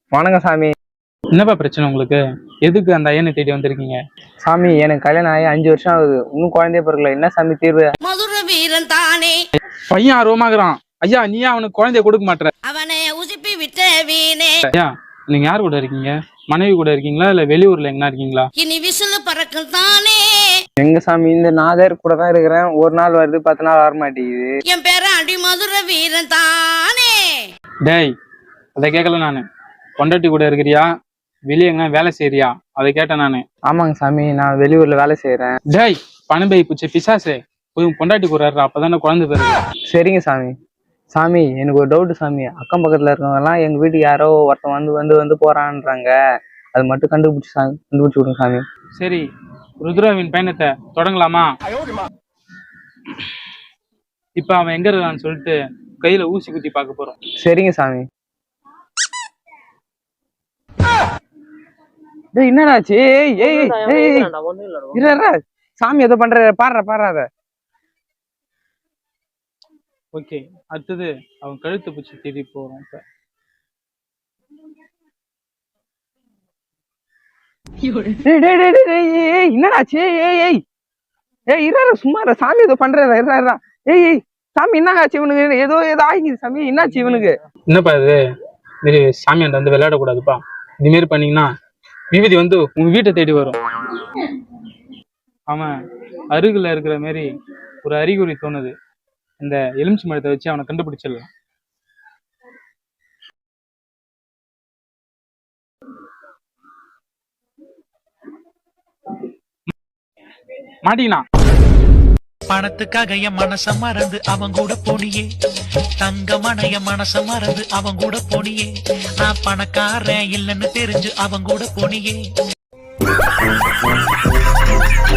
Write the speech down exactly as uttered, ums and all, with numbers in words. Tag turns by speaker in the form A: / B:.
A: வணக்கம் சாமி.
B: என்னப்பா பிரச்சனை உங்களுக்கு? எதுக்கு அந்த ஐயனை தேடி வந்திருக்கீங்க?
A: சாமி, எனக்கு கல்யாணம் ஆகி அஞ்சு வருஷம் ஆகுது, இன்னும் குழந்தைய பிறக்கல. என்ன சாமி தீர்வு?
C: மதுர வீரன் தானே
B: பையன் ஆர்வமாகறான். ஐயா, நீ அவனுக்கு குழந்தைய கொடுக்க மாட்டற.
C: அவனை உசுப்பி விட்ட வீணே.
B: ஐயா, நீங்க யார் கூட இருக்கீங்க? மனைவி கூட இருக்கீங்களா இல்ல வெளியூர்ல எங்கனா இருக்கீங்களா?
C: இனி விசிலு பறக்கும் தானே.
A: எங்க சாமி, இந்த நாதர் கூட தான் இருக்கிறேன். ஒரு நாள் வருது, பத்து நாள் வர மாட்டேங்குது.
C: என் பேர அடி மதுர வீரன் தானே.
B: டேய், அதை கேட்கல நானு. பொண்டாட்டி கூட இருக்கிறியா வெளியே எங்கன்னா வேலை செய்யறியா அதை கேட்டேன் நானு.
A: ஆமாங்க சாமி, நான் வெளியூர்ல வேலை செய்யறேன்.
B: டேய், பணபை பூச்சி பிசாசே, போய் பொண்டாட்டி கூட அப்பதானே குழந்தை பேரு.
A: சரிங்க சாமி. சாமி, எனக்கு ஒரு டவுட் சாமி. அக்கம் பக்கத்துல இருக்கவங்க எல்லாம் எங்க வீட்டுக்கு யாரோ ஒருத்தன் வந்து வந்து வந்து போறான்றாங்க. அது மட்டும் கண்டுபிடிச்சு சாமி கண்டுபிடிச்சு விடுங்க சாமி.
B: சரி, ருத்ராவின் பயணத்தை தொடங்கலாமா? இப்ப அவன் எங்க இருக்கான்னு சொல்லிட்டு கையில ஊசி குத்தி பார்க்க போறோம்.
A: சரிங்க சாமி. என்னடாச்சு? சாமி ஏதோ பண்ற, பாடுற பாடுறாத.
B: ஓகே, அடுத்தது அவன் கழுத்து பூச்சி தேடி போறோம்.
A: இப்ப என்னடாச்சு? ஏய் ஏய் ஏய் இரு, சும்மா சாமி ஏதோ பண்றா. ஏய் ஏய் சாமி, என்ன ஆச்சு இவனுக்கு? ஏதோ ஏதோ ஆகிக்குது சாமி. என்னாச்சு இவனுக்கு?
B: என்னப்பா இது? மாரி சாமியாண்ட வந்து விளையாடக்கூடாதுப்பா. இது மாரி பண்ணீங்கன்னா விபதி வந்து உங்க வீட்டை தேடி வரும். அவன் அருகில இருக்கிற மாரி ஒரு அறிகுறி தோணுது. இந்த எலுமிச்சி மரத்தை வச்சு அவனை கண்டுபிடிச்சிடலாம். மாட்டீங்கன்னா
D: பணத்துக்காக என் மனச மறந்து அவன் கூட போனியே, தங்க மனைய மனச மறந்து அவன் கூட போனியே, நான் பணக்காரன் இல்லைன்னு தெரிஞ்சு அவன் கூட போனியே.